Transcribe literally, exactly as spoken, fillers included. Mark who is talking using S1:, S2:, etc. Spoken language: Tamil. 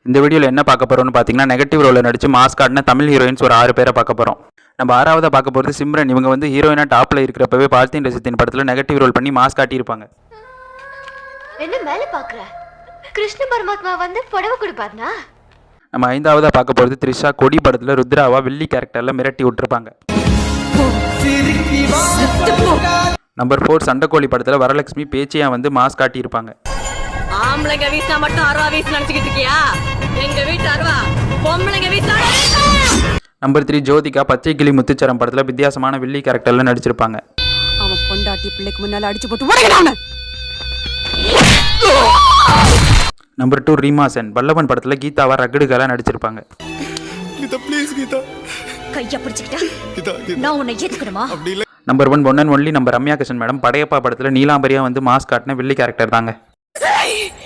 S1: இந்த வீடியோவில் என்ன பார்க்க போகிறோம்னு பார்த்தீங்கன்னா, நெகட்டிவ் ரோலில் நடித்து மாஸ் காட்டின தமிழ் ஹீரோயின்ஸ் ஒரு ஆறு பேரை பார்க்க போகிறோம். நம்ம ஆறாவதாக பார்க்க போகிறது சிம்ரன். இவங்க வந்து ஹீரோயினாக டாப்பில் இருக்கிறப்பவே பார்த்தின் ரசித்தின் படத்தில் நெகட்டிவ் ரோல் பண்ணி மாஸ் காட்டியிருப்பாங்க.
S2: என்ன மேலே பார்க்குற? கிருஷ்ண பரமாத்மா வந்து புடவை கொடுப்பாருனா?
S1: நம்ம ஐந்தாவதாக பார்க்க போகிறது த்ரிஷா. கொடி படத்தில் ருத்ராவா வில்லி கேரக்டரில் மிரட்டி விட்டுருப்பாங்க. நம்பர் ஃபோர் சண்டைக்கோழி படத்தில் வரலட்சுமி பேச்சியா வந்து மாஸ் காட்டியிருப்பாங்க.
S3: ஆம்பளைங்க வீசா மட்டும் அருவா வீசி நினைச்சுக்கிட்டு இருக்கியா? எங்க வீட்டு அருவா பொம்பளைங்க வீசா.
S1: Number three Jyothika. பச்சை கிளி முத்துச்சரம் படத்தில் வித்தியாசமான வில்லி கேரக்டரில் நடிச்சிருப்பாங்க.
S3: அவன் பொண்டாட்டி பிள்ளைக்கு முன்னால அடிச்சு போட்டு உடைக்கிறானே.
S1: Number two Reema Sen. வல்லவன் படத்தில் கீதாவா ரகடுகளாக நடிச்சிருப்பாங்க.
S4: கீதா ப்ளீஸ் கீதா
S3: கைய பிடிச்சிக்கிட்டா
S4: கீதா
S3: நான் உன்னை ஏத்துக்கணுமா?
S1: Number one one and only நம்ம ரம்யா கிருஷ்ணன் மேடம். படையப்பா படத்தில் நீலாம்பரியா வந்து மாஸ் காட்டின வில்லி கேரக்டர் தாங்க.